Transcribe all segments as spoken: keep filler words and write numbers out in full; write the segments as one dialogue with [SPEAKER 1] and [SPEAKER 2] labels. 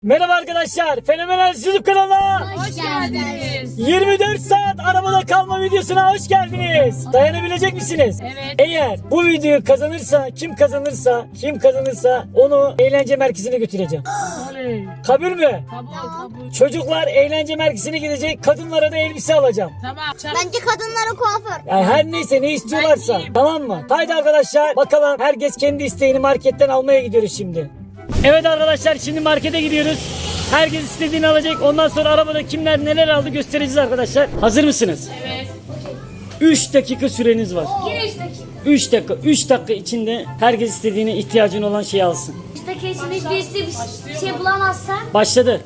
[SPEAKER 1] Merhaba arkadaşlar, Fenomenal YouTube kanalına
[SPEAKER 2] Hoş geldiniz.
[SPEAKER 1] yirmi dört saat arabada kalma videosuna hoş geldiniz. Dayanabilecek misiniz?
[SPEAKER 2] Evet.
[SPEAKER 1] Eğer bu videoyu kazanırsa, kim kazanırsa, kim kazanırsa onu eğlence merkezine götüreceğim.
[SPEAKER 2] Oley.
[SPEAKER 1] Kabul mü?
[SPEAKER 2] Kabul kabul.
[SPEAKER 1] Çocuklar eğlence merkezine gidecek, kadınlara da elbise alacağım.
[SPEAKER 2] Tamam. Çak.
[SPEAKER 3] Bence kadınlara kuaför.
[SPEAKER 1] Yani her neyse ne istiyorlarsa,
[SPEAKER 2] Ben iyiyim.
[SPEAKER 1] tamam mı? Haydi arkadaşlar bakalım, herkes kendi isteğini marketten almaya gidiyoruz şimdi. Evet arkadaşlar, şimdi markete gidiyoruz. Herkes istediğini alacak. Ondan sonra arabada kimler neler aldı göstereceğiz arkadaşlar. Hazır mısınız?
[SPEAKER 2] Evet.
[SPEAKER 1] üç dakika süreniz var.
[SPEAKER 3] Yine üç dakika.
[SPEAKER 1] üç dakika. üç dakika içinde herkes istediğini, ihtiyacın olan şeyi alsın.
[SPEAKER 3] üç dakika içinde birisi bir şey bulamazsa.
[SPEAKER 1] Başladı.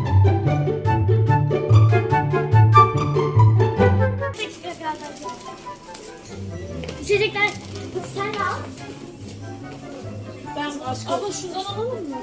[SPEAKER 3] dakika kaldı. İçecekler sen al.
[SPEAKER 2] Ben abla şundan alalım mı?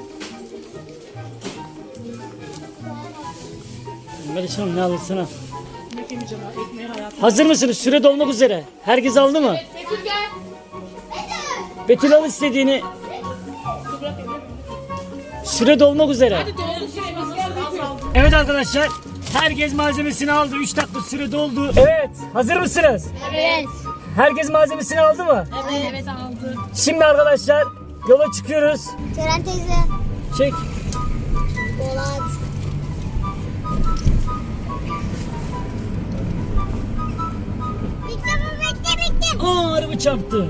[SPEAKER 1] Melih Hanım ne alırsın al.
[SPEAKER 2] Ne yemeyeceğim ha? Ekmeği hayatım.
[SPEAKER 1] Hazır mısınız? Süre dolmak üzere. Herkes aldı mı?
[SPEAKER 2] Betül gel.
[SPEAKER 1] Betül al istediğini.
[SPEAKER 2] Dur bırak elini.
[SPEAKER 1] Süre dolmak üzere.
[SPEAKER 2] Hadi doğru süremiz geldi. Azaldı.
[SPEAKER 1] Evet arkadaşlar. Herkes malzemesini aldı. üç dakika süre doldu. Evet. Hazır mısınız?
[SPEAKER 3] Evet.
[SPEAKER 1] Herkes malzemesini aldı mı?
[SPEAKER 2] Evet. Evet aldı.
[SPEAKER 1] Şimdi arkadaşlar yola çıkıyoruz.
[SPEAKER 3] Ceren teyze.
[SPEAKER 1] Çek.
[SPEAKER 3] Polat. Bekle bekle bekle.
[SPEAKER 1] Aa araba çarptı.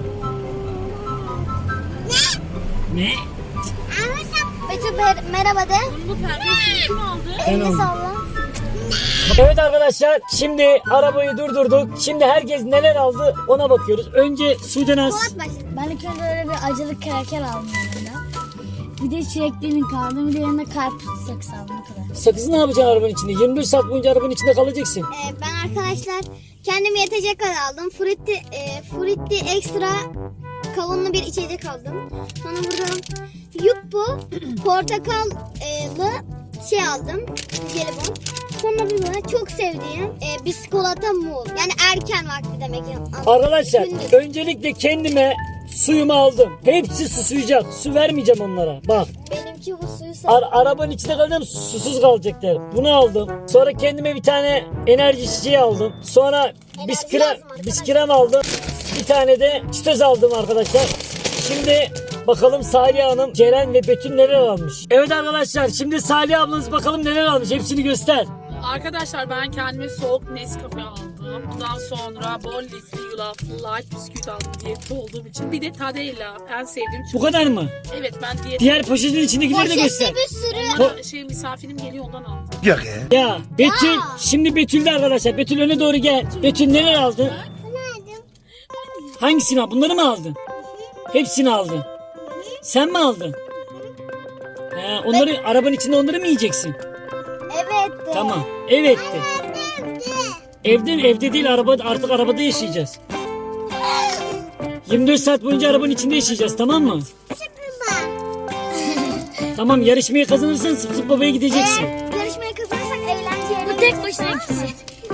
[SPEAKER 3] Ne?
[SPEAKER 1] Ne?
[SPEAKER 3] Betül mer- merhaba de.
[SPEAKER 2] Bunu pembesini kim aldı?
[SPEAKER 3] Elini
[SPEAKER 1] aldım.
[SPEAKER 3] salla.
[SPEAKER 1] Evet arkadaşlar şimdi arabayı durdurduk. Şimdi herkes neler aldı ona bakıyoruz. Önce Sudenaz.
[SPEAKER 3] Polat başladı.
[SPEAKER 4] Ben ilk önce öyle bir acılı kraker aldım yanında. Bir de çileklinin kaldı. Bir de yanında karpuz saksı aldım o kadar.
[SPEAKER 1] Sakızı ne yapacaksın arabanın içinde? yirmi dört saat boyunca arabanın içinde kalacaksın.
[SPEAKER 3] Ee, ben arkadaşlar kendime yetecek kadar aldım. Frutti, e, frutti ekstra kavunlu bir içecek aldım. Sonra buradan Yuppo portakallı şey aldım. Jelibon. Sonra burada çok sevdiğim e, biskolata muz. Yani erken vakti demek.
[SPEAKER 1] Arkadaşlar
[SPEAKER 3] Gündüz.
[SPEAKER 1] öncelikle kendime suyumu aldım. Hepsi susuyacak. Su vermeyeceğim onlara. Bak
[SPEAKER 3] Benimki bu suyu
[SPEAKER 1] ar-
[SPEAKER 3] sev.
[SPEAKER 1] arabanın içinde kalacağım, susuz kalacaklar. Bunu aldım. Sonra kendime bir tane enerji içeceği aldım. Sonra bisküvi
[SPEAKER 3] lazım arkadaşlar.
[SPEAKER 1] bisküvi aldım. Bir tane de çitoz aldım arkadaşlar. Şimdi bakalım Salih Hanım, Ceren ve Betül neler almış. Evet arkadaşlar şimdi Salih ablanız bakalım neler almış. Hepsini göster.
[SPEAKER 2] Arkadaşlar ben kendime soğuk Nescafe aldım. Bundan sonra bol lifli yulaflı light bisküvit aldım diyette olduğum için. Bir de Tadella en sevdiğim
[SPEAKER 1] Bu
[SPEAKER 2] çikolata.
[SPEAKER 1] kadar mı?
[SPEAKER 2] Evet ben diyet.
[SPEAKER 1] Diğer poşetin içindekileri de göster.
[SPEAKER 3] Poşette bir sürü.
[SPEAKER 2] Bana şey misafirim geliyor ondan aldım.
[SPEAKER 5] Yok ya.
[SPEAKER 1] Ya Betül, şimdi Betül'de arkadaşlar. Betül öne doğru gel. Betül neler aldın? Hangisini aldın? Bunları mı aldın? Hepsini aldın. Sen mi aldın? He, onları arabanın içinde onları mı yiyeceksin?
[SPEAKER 3] Evet. de.
[SPEAKER 1] Tamam. Evet de. Evde mi? Evde değil, araba artık arabada yaşayacağız. yirmi dört saat boyunca arabanın içinde yaşayacağız, tamam mı? Tamam, yarışmayı kazanırsan Sıp Sıp Baba'ya gideceksin.
[SPEAKER 3] Yarışmayı kazanırsak eğlenceli.
[SPEAKER 4] Bu tek başına ikisi.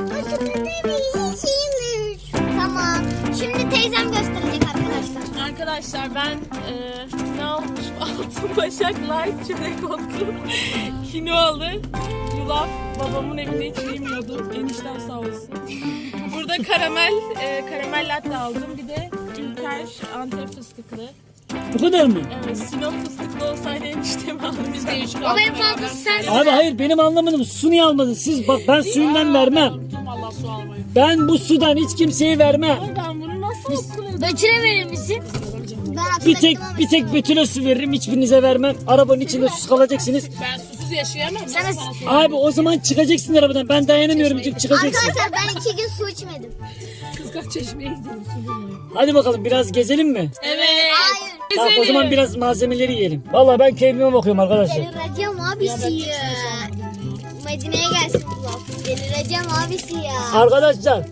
[SPEAKER 3] Tamam. Şimdi teyzem gösterecek arkadaşlar.
[SPEAKER 2] Arkadaşlar ben e, ne almışım? Altın Başak Light çörek otlu kinoalı yulaf babamın evinde hiç yemiyordu. Eniştem sağ olsun. Burada karamel e, karamel latte aldım. Bir de Ülker Antep fıstıklı.
[SPEAKER 1] Bu kadar mı?
[SPEAKER 2] Evet, Sinop fıstıklı olsaydı eniştemi aldım. Biz de üç
[SPEAKER 4] O benim fazlası sensin.
[SPEAKER 1] Abi hayır, benim anlamadım. Su niye almadın? Siz bak, ben suyundan vermem.
[SPEAKER 2] Unuttum valla su almayı.
[SPEAKER 1] Ben bu sudan hiç kimseye vermem.
[SPEAKER 2] Ama ben bunu nasıl okudum?
[SPEAKER 4] Betül'e verir misin?
[SPEAKER 3] Ben
[SPEAKER 1] Bir tek
[SPEAKER 3] hatırladım
[SPEAKER 1] bir tek Betül'e su veririm, hiçbirinize vermem. Arabanın içinde sus kalacaksınız.
[SPEAKER 2] Ben susuz yaşayamam.
[SPEAKER 4] Sen
[SPEAKER 2] Nasıl
[SPEAKER 4] de-
[SPEAKER 2] bana su
[SPEAKER 1] Abi o zaman çıkacaksın arabadan. Ben dayanamıyorum diyeceğim, çıkacaksın.
[SPEAKER 3] Arkadaşlar ben iki gün su içmedim.
[SPEAKER 2] Kızgak çeşmeye gidelim su bulmaya.
[SPEAKER 1] Hadi bakalım, biraz gezelim mi?
[SPEAKER 2] Evet.
[SPEAKER 3] Hayır.
[SPEAKER 1] Tamam, o zaman biraz malzemeleri yiyelim. Vallahi ben keyfime bakıyorum arkadaşlar.
[SPEAKER 3] Delireceğim abisi ya. Medine'ye gelsin bu laf. Delireceğim abisi ya.
[SPEAKER 1] Arkadaşlar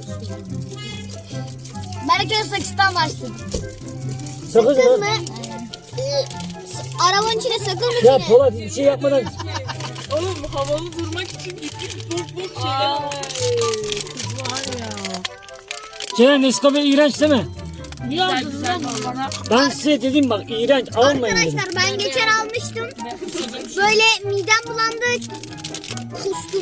[SPEAKER 4] Ben ilk önce sakızdan başladım.
[SPEAKER 1] sakız
[SPEAKER 3] Sakız
[SPEAKER 1] mı?
[SPEAKER 3] mı? Ee, arabanın içine sakız mı
[SPEAKER 1] Ya
[SPEAKER 3] içine?
[SPEAKER 1] Polat bir şey yapmadan.
[SPEAKER 2] Oğlum havalı durmak için gittik bok bok şeyler. Ay kız var ya.
[SPEAKER 1] Ceren Nescafe iğrenç değil mi?
[SPEAKER 4] Niye aldın lan bana?
[SPEAKER 1] Ben size dedim bak iğrenç almayın dedim.
[SPEAKER 3] Arkadaşlar ben geçen almıştım. Böyle midem bulandı. Kustum.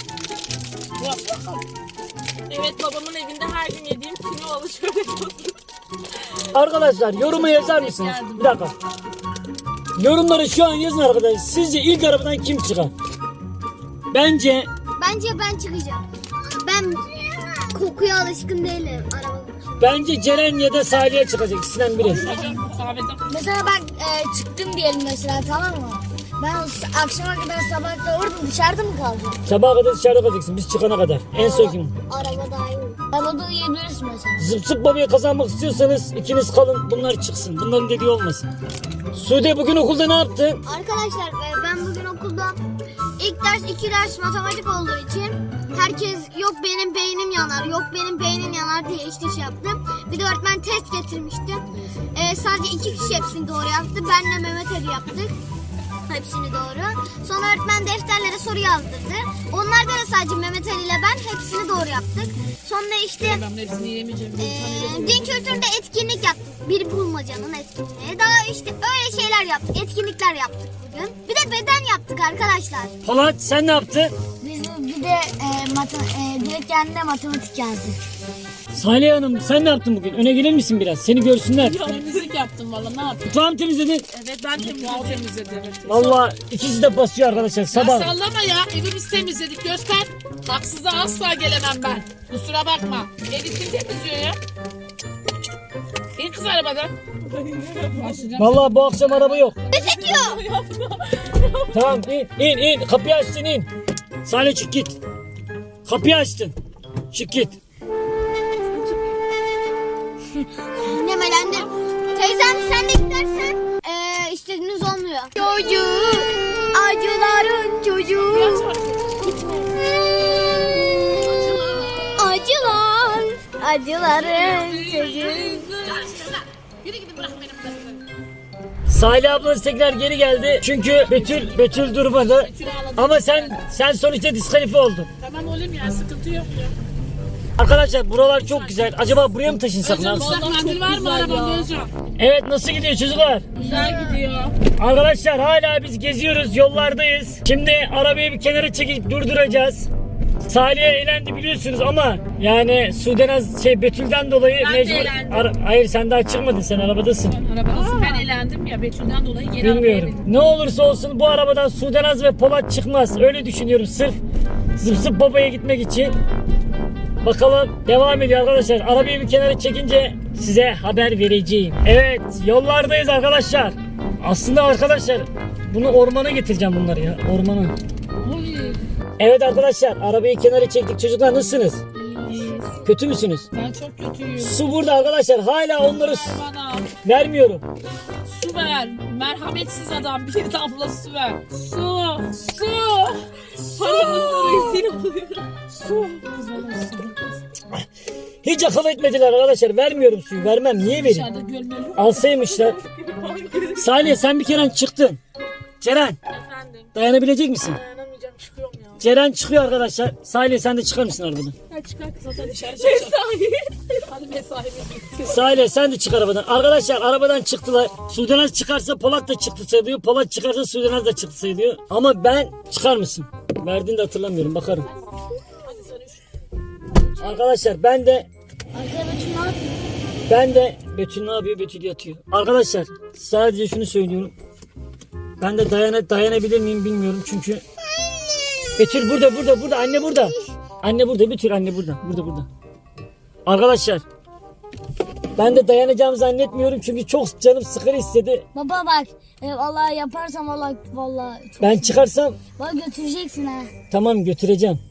[SPEAKER 2] Evet, babamın evinde her gün yediğim kinoalı çörek otu.
[SPEAKER 1] Arkadaşlar yoruma yazar mısınız? Bir dakika. Yorumları şu an yazın arkadaşlar. Sizce ilk arabadan kim çıkar? Bence
[SPEAKER 3] Bence ben çıkacağım. Ben kokuya alışkın değilim araba.
[SPEAKER 1] bence Ceren ya da Salih'e çıkacak. İkisinden biri.
[SPEAKER 4] Mesela ben e, çıktım diyelim mesela, tamam mı? Ben o s- akşama kadar sabah kadar orada dışarıda mı kalacağım?
[SPEAKER 1] Sabaha kadar dışarıda kalacaksın biz çıkana kadar. En son kim?
[SPEAKER 3] Araba daha iyi.
[SPEAKER 4] Arabada uyuyabilirsin mesela.
[SPEAKER 1] Zıp zıp babaya kazanmak istiyorsanız ikiniz kalın bunlar çıksın. Bunların dediği olmasın. Sude bugün okulda ne yaptın?
[SPEAKER 3] Arkadaşlar e, ben bugün okulda ilk ders iki ders matematik olduğu için herkes yok benim beynim yanar, yok benim beynim yanar diye işte şey yaptım. Bir de öğretmen test getirmişti. E, sadece iki kişi hepsini doğru yaptı. Benle Mehmet Ali yaptık. Hepsini doğru. Sonra öğretmen defterlere soru yazdırdı. Onlarda da sadece Mehmet Ali ile ben hepsini doğru yaptık. Sonra işte
[SPEAKER 2] Ben hepsini yiyemeyeceğim.
[SPEAKER 3] Ee, din kültüründe etkinlik yaptık. Bir bulmacanın etkinliği. Daha işte öyle şeyler yaptık. Etkinlikler yaptık bugün. Bir de beden yaptık arkadaşlar.
[SPEAKER 1] Polat sen ne yaptın?
[SPEAKER 4] Biz bir de e, mata, e, direkt kendine matematik yazdık.
[SPEAKER 1] Salih Hanım sen ne yaptın bugün? Öne gelir misin biraz? Seni görsünler.
[SPEAKER 2] Temizlik yaptım valla, ne yapayım?
[SPEAKER 1] Mutfağı mı temizledin?
[SPEAKER 2] Evet, ben temizledim. temizledim. Evet.
[SPEAKER 1] Valla ikisi de basıyor arkadaşlar sabah.
[SPEAKER 5] Sallama ya, evi biz temizledik, göster. Haksıza asla gelemem ben. Kusura bakma. Evi kim temizliyor ya? İn kız arabadan.
[SPEAKER 1] Valla bu akşam araba yok.
[SPEAKER 3] Ne çekiyor?
[SPEAKER 1] Tamam in in in kapıyı açtın in. Salih çık git. Kapıyı açtın. Çık git.
[SPEAKER 3] Nemelendim. Teyzem sen de gidersen ee, istediğiniz olmuyor. Çocuğu, acıların çocuğu. Acılar, acıların çocuğu.
[SPEAKER 5] Yürü gidin, bırak benim kızımı.
[SPEAKER 1] Salih ablası tekrar geri geldi. Çünkü Betül Betül durmadı. Ama sen sen sonuçta diskalifiye oldun.
[SPEAKER 5] Tamam oğlum ya, sıkıntı yok ya.
[SPEAKER 1] Arkadaşlar buralar çok güzel. Acaba buraya mı taşınsak? Ne yapsak?
[SPEAKER 5] Vallahi mendil var mı arabanda Özcan?
[SPEAKER 1] Evet nasıl gidiyor çocuklar?
[SPEAKER 5] Güzel gidiyor.
[SPEAKER 1] Arkadaşlar hala biz geziyoruz, yollardayız. Şimdi arabayı bir kenara çekip durduracağız. Salih'e eğlendi biliyorsunuz ama yani Sudenaz şey Betül'den dolayı
[SPEAKER 5] Ben de
[SPEAKER 1] mecbur...
[SPEAKER 5] eğlendim.
[SPEAKER 1] Ara- Hayır sen daha çıkmadın, sen arabadasın.
[SPEAKER 5] Arabadasın, ben eğlendim ya, Betül'den dolayı geri
[SPEAKER 1] Bilmiyorum. Ne olursa olsun bu arabadan Sudenaz ve Polat çıkmaz. Öyle düşünüyorum sırf zıp zıp babaya gitmek için. Bakalım devam ediyor arkadaşlar. Arabayı bir kenara çekince size haber vereceğim. Evet yollardayız arkadaşlar. Aslında arkadaşlar bunu ormana getireceğim bunları ya. Ormana.
[SPEAKER 5] Uy,
[SPEAKER 1] Evet arkadaşlar arabayı kenara çektik. Çocuklar nasılsınız?
[SPEAKER 5] iyiyiz.
[SPEAKER 1] Kötü müsünüz?
[SPEAKER 5] Ben çok kötüyüm.
[SPEAKER 1] Su burada arkadaşlar. Hala onları su-
[SPEAKER 5] Bana
[SPEAKER 1] vermiyorum.
[SPEAKER 5] su ver. Merhametsiz adam, bir damla su ver. Su, su, su.
[SPEAKER 2] Rezil oluyor.
[SPEAKER 5] Su. Kız bana su.
[SPEAKER 1] Hiç akıl etmediler arkadaşlar. Vermiyorum suyu. Vermem. Niye vereyim?
[SPEAKER 5] Dışarıda gölmeli yok.
[SPEAKER 1] Alsaymışlar. Salih sen bir kere çıktın. Ceren
[SPEAKER 2] Efendim,
[SPEAKER 1] dayanabilecek misin?
[SPEAKER 2] dayanamayacağım, çıkıyorum ya.
[SPEAKER 1] Ceren çıkıyor arkadaşlar. Salih sen de çıkar mısın arabadan?
[SPEAKER 5] Ha, çıkar kız, zaten dışarı çıkacak. Hadi mesaimiz bitti.
[SPEAKER 1] Salih sen de çık arabadan. Arkadaşlar arabadan çıktılar. Sudenaz çıkarsa Polat da çıktı sayılıyor. Polat çıkarsa Sudenaz da çıktı sayılıyor. Ama ben çıkar mısın? Verdiğini de hatırlamıyorum. Bakarım.
[SPEAKER 5] Hadi sen üç.
[SPEAKER 1] Arkadaşlar ben de
[SPEAKER 4] Arkaya Betül ne yapıyor?
[SPEAKER 1] ben de Betül ne yapıyor? Betül yatıyor. Arkadaşlar sadece şunu söylüyorum. Ben de dayana, dayanabilir miyim bilmiyorum çünkü Betül burada burada burada anne burada. Anne burada Betül anne burada. Burada burada. Arkadaşlar ben de dayanacağımı zannetmiyorum çünkü çok canım sıkır istedi.
[SPEAKER 4] Baba bak, e, vallahi yaparsam vallahi vallahi çok...
[SPEAKER 1] Ben çıkarsam
[SPEAKER 4] Bak götüreceksin ha.
[SPEAKER 1] tamam götüreceğim.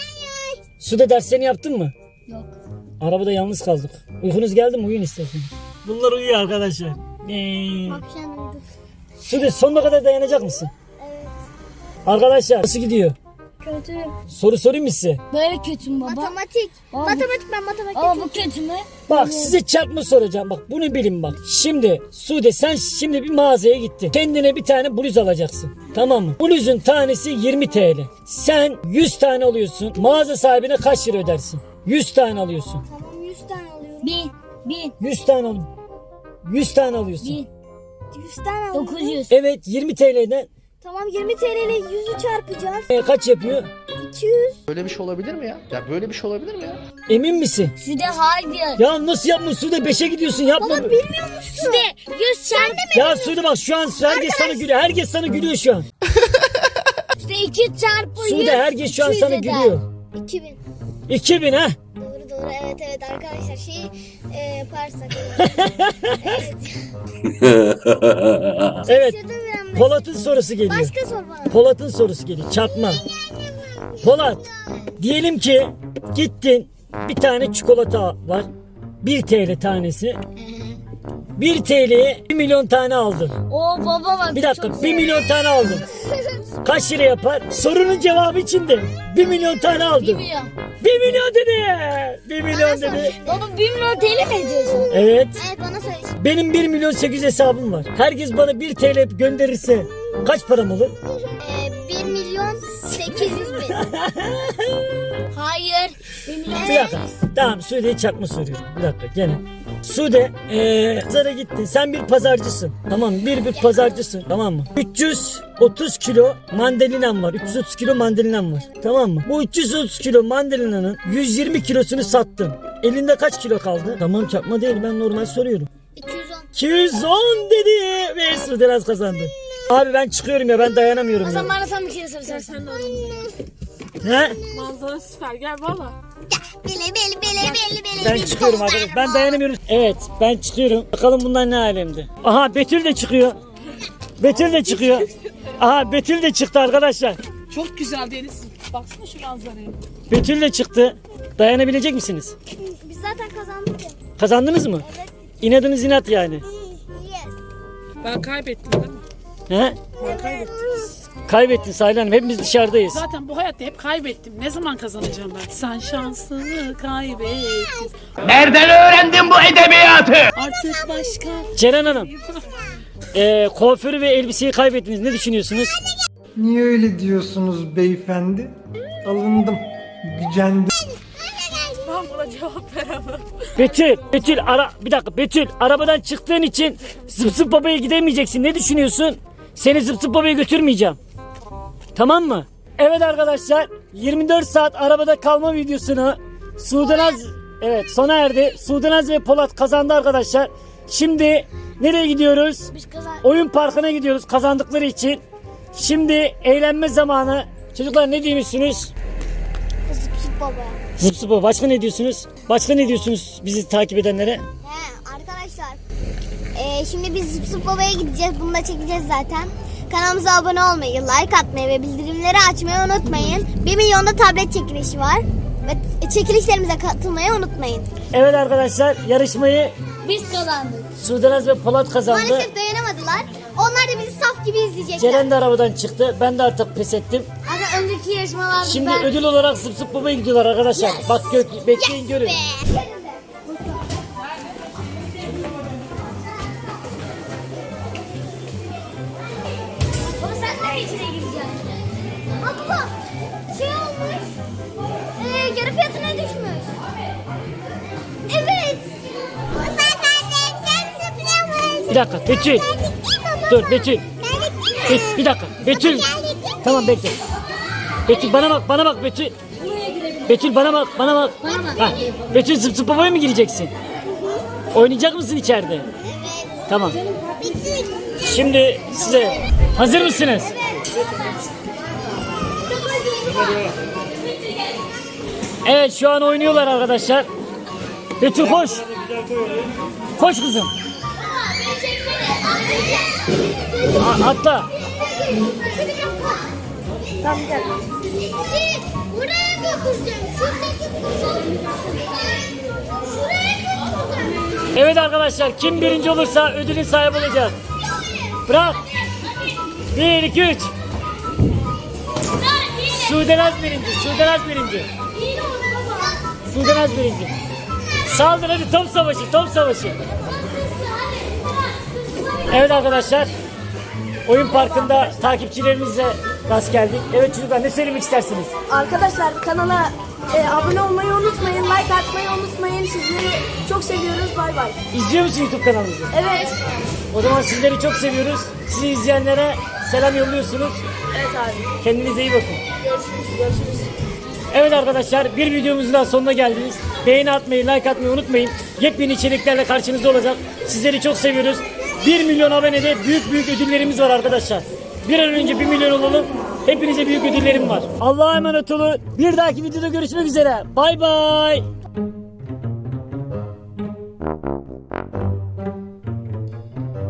[SPEAKER 1] Suda derslerini yaptın mı?
[SPEAKER 4] Yok.
[SPEAKER 1] Arabada yalnız kaldık. Uykunuz geldi mi? Uyuyun istersen. Bunlar uyuyor arkadaşlar. Ee,
[SPEAKER 3] Akşam uyuduk.
[SPEAKER 1] Sude sonuna kadar dayanacak mısın?
[SPEAKER 3] Evet.
[SPEAKER 1] Arkadaşlar nasıl gidiyor?
[SPEAKER 4] Kötü.
[SPEAKER 1] Soru sorayım mı size?
[SPEAKER 4] Böyle kötü mü baba?
[SPEAKER 3] Matematik.
[SPEAKER 4] Baba,
[SPEAKER 3] Matematik ben matematik.
[SPEAKER 4] Baba bu kötü mü?
[SPEAKER 1] Bak size çarpma soracağım. Bak bunu bilin bak. Şimdi Sude sen şimdi bir mağazaya gittin. Kendine bir tane bluz alacaksın. Tamam mı? Bluzun tanesi yirmi T L. Sen yüz tane alıyorsun. Mağaza sahibine kaç lira ödersin? yüz tane alıyorsun.
[SPEAKER 3] Tamam yüz tane alıyorum.
[SPEAKER 4] Bir. Bin.
[SPEAKER 1] yüz tane al. yüz tane alıyorsun.
[SPEAKER 4] Bin.
[SPEAKER 3] yüz tane aldım.
[SPEAKER 4] Dokuz yüz.
[SPEAKER 1] Evet, yirmi T L'den
[SPEAKER 3] Tamam yirmi T L ile yüzü çarpacağız.
[SPEAKER 1] e, kaç yapıyor?
[SPEAKER 3] iki yüz.
[SPEAKER 6] Böyle bir şey olabilir mi ya? Ya böyle bir şey olabilir mi ya?
[SPEAKER 1] Emin misin?
[SPEAKER 4] Sude hayır.
[SPEAKER 1] Ya nasıl yapma Sude, beşe gidiyorsun, yapma.
[SPEAKER 3] Baba bilmiyor musun?
[SPEAKER 4] Sude yüz çarpı.
[SPEAKER 1] Ya Sude bak, şu an herkes sana gülüyor. Herkes sana gülüyor şu an.
[SPEAKER 4] Sude iki çarpı yüz.
[SPEAKER 1] Sude herkes şu an
[SPEAKER 4] iki
[SPEAKER 1] sana
[SPEAKER 4] yüz eder.
[SPEAKER 1] gülüyor.
[SPEAKER 3] iki bin.
[SPEAKER 1] iki bin ha?
[SPEAKER 3] Doğru doğru evet evet arkadaşlar şeyi e, yaparsak. evet.
[SPEAKER 1] Evet.
[SPEAKER 3] Şurada bir anda.
[SPEAKER 1] Polat'ın sorusu geliyor.
[SPEAKER 3] Başka sor bana.
[SPEAKER 1] Polat'ın sorusu geliyor. Çarpma. Polat, diyelim ki gittin, bir tane çikolata var. bir T L tanesi. bir T L'ye bir milyon tane aldın.
[SPEAKER 4] Oo baba bak.
[SPEAKER 1] Bir dakika,
[SPEAKER 4] çok
[SPEAKER 1] bir milyon tane aldın. Kaç lira yapar? Sorunun cevabı içinde. bir milyon tane
[SPEAKER 4] Bir
[SPEAKER 1] aldın.
[SPEAKER 4] milyon.
[SPEAKER 1] bir milyon dedi. bir milyon dedi.
[SPEAKER 4] Baba bir milyon T L mi ediyorsun?
[SPEAKER 1] Evet.
[SPEAKER 3] Evet bana söyle.
[SPEAKER 1] Benim bir milyon sekiz yüz hesabım var. Herkes bana bir T L gönderirse kaç param olur?
[SPEAKER 3] E, bir milyon sekiz yüz bin.
[SPEAKER 4] Hayır. Bir milyon.
[SPEAKER 1] Bir dakika. Tamam, Sude'ye çakma soruyorum. Bir dakika gene. Sude, ee, pazara gittin. Sen bir pazarcısın. Tamam mı? Bir bir pazarcısın. Tamam mı? üç yüz otuz kilo mandalinan var. üç yüz otuz kilo mandalinan var. Tamam mı? Bu üç yüz otuz kilo mandalinanın yüz yirmi kilosunu sattın. Elinde kaç kilo kaldı? Tamam, çakma değil, ben normal soruyorum.
[SPEAKER 3] iki yüz on.
[SPEAKER 1] iki yüz on dedi ve Sude az kazandı. Abi ben çıkıyorum ya, ben dayanamıyorum
[SPEAKER 4] O
[SPEAKER 1] ya.
[SPEAKER 4] zaman bana sen bir kere soracaksın.
[SPEAKER 2] Sen de aramızda.
[SPEAKER 1] He?
[SPEAKER 2] Manzara süper. Gel valla.
[SPEAKER 3] Bele bele bele bele bele.
[SPEAKER 1] Ben çıkıyorum arkadaşlar. Ben dayanamıyorum. Evet, ben çıkıyorum. Bakalım bunlar ne alemde. Aha, Betül de çıkıyor. Betül de çıkıyor. Aha, Betül de çıktı arkadaşlar.
[SPEAKER 5] Çok güzel deniz. Baksana şu manzaraya.
[SPEAKER 1] Betül de çıktı. Dayanabilecek misiniz?
[SPEAKER 3] Biz zaten kazandık ya.
[SPEAKER 1] Kazandınız mı? İnadınız inat yani.
[SPEAKER 3] Yes.
[SPEAKER 5] Ben kaybettim değil mi?
[SPEAKER 1] He?
[SPEAKER 5] Ben kaybettim.
[SPEAKER 1] Kaybettin Saylan Hanım. Hepimiz dışarıdayız.
[SPEAKER 5] Zaten bu hayatta hep kaybettim. Ne zaman kazanacağım ben? Sen şansını kaybettin.
[SPEAKER 7] Nereden öğrendin bu edebiyatı?
[SPEAKER 5] Artık başka.
[SPEAKER 1] Ceren Hanım. E, kuaförü ve elbiseyi kaybettiniz. Ne düşünüyorsunuz?
[SPEAKER 8] Niye öyle diyorsunuz beyefendi? Alındım, gücendim.
[SPEAKER 2] Ben buna cevap veremem.
[SPEAKER 1] Betül, Betül ara bir dakika Betül, arabadan çıktığın için Zıp Zıp Baba'ya gidemeyeceksin. Ne düşünüyorsun? Seni Zıp Zıp Baba'ya götürmeyeceğim. Tamam mı? Evet arkadaşlar, yirmi dört saat arabada kalma videosunu Sudanaz, evet, sona erdi. Sudanaz ve Polat kazandı arkadaşlar. Şimdi nereye gidiyoruz?
[SPEAKER 4] Biz kazan.
[SPEAKER 1] Oyun parkına gidiyoruz kazandıkları için. Şimdi eğlenme zamanı. Çocuklar ne diyorsunuz?
[SPEAKER 3] Zıp zıp baba.
[SPEAKER 1] Zıp Zıp Baba. Başka ne diyorsunuz? Başka ne diyorsunuz bizi takip edenlere?
[SPEAKER 3] He arkadaşlar. Ee, şimdi biz Zıp Zıp Baba'ya gideceğiz. Bunu da çekeceğiz zaten. Kanalımıza abone olmayı, like atmayı ve bildirimleri açmayı unutmayın. bir milyonda tablet çekilişi var. Ve çekilişlerimize katılmayı unutmayın.
[SPEAKER 1] Evet arkadaşlar, yarışmayı
[SPEAKER 4] Biz kazandık.
[SPEAKER 1] Sudanaz ve Polat kazandı.
[SPEAKER 3] Maalesef dayanamadılar. Onlar da bizi saf gibi izleyecekler.
[SPEAKER 1] Ceren de arabadan çıktı. Ben de artık pes ettim.
[SPEAKER 4] Aga önceki yarışmalarda
[SPEAKER 1] Şimdi
[SPEAKER 4] ben...
[SPEAKER 1] ödül olarak Zıp Zıp Baba'ya gidiyorlar arkadaşlar. Bak gök, bekleyin görün.
[SPEAKER 3] Be.
[SPEAKER 4] Baba sen nereye içine gireceksin?
[SPEAKER 3] Abla şey olmuş. Ee, yarı fiyatına düşmüş. Evet.
[SPEAKER 1] Bir dakika Betül. Dur Betül. Bir, bir dakika Betül. Tamam bekle. Betül bana bak, bana bak Betül. Betül bana bak, bana bak. Ha, Betül Zıp Zıp Baba'ya mı gireceksin? Oynayacak mısın içeride? Tamam. Şimdi size hazır mısınız? Evet, şu an oynuyorlar arkadaşlar. Betül koş. Koş kızım. A- atla.
[SPEAKER 3] Tamam gel. Buraya götüreceğim. Şuradaki Şuraya götüreceğim.
[SPEAKER 1] Evet arkadaşlar, kim birinci olursa ödülün sahibi olacak. Bırak. Bir, iki, üç. Sudanaz birinci, Sudanaz birinci. Sudanaz birinci. Saldır hadi, top savaşı, top savaşı. Evet arkadaşlar, oyun parkında takipçilerimizle rast geldik. Evet çocuklar, ne söylemek istersiniz?
[SPEAKER 4] Arkadaşlar kanala e, abone olmayı unutmayın. Like atmayı unutmayın. Sizleri çok seviyoruz. Bay bay.
[SPEAKER 1] İzliyor musun YouTube kanalımızı?
[SPEAKER 4] Evet.
[SPEAKER 1] O zaman sizleri çok seviyoruz. Sizi izleyenlere selam yolluyorsunuz.
[SPEAKER 4] Evet abi.
[SPEAKER 1] Kendinize iyi bakın.
[SPEAKER 4] Görüşürüz. Görüşürüz.
[SPEAKER 1] Evet arkadaşlar, bir videomuzun daha sonuna geldiniz. Beğeni atmayı, like atmayı unutmayın. Yepyeni içeriklerle karşınızda olacak. Sizleri çok seviyoruz. bir milyon abonede büyük büyük ödüllerimiz var arkadaşlar. Bir an önce bir milyon olalım. Hepinize büyük ödüllerim var. Allah'a emanet olun. Bir dahaki videoda görüşmek üzere. Bay bay.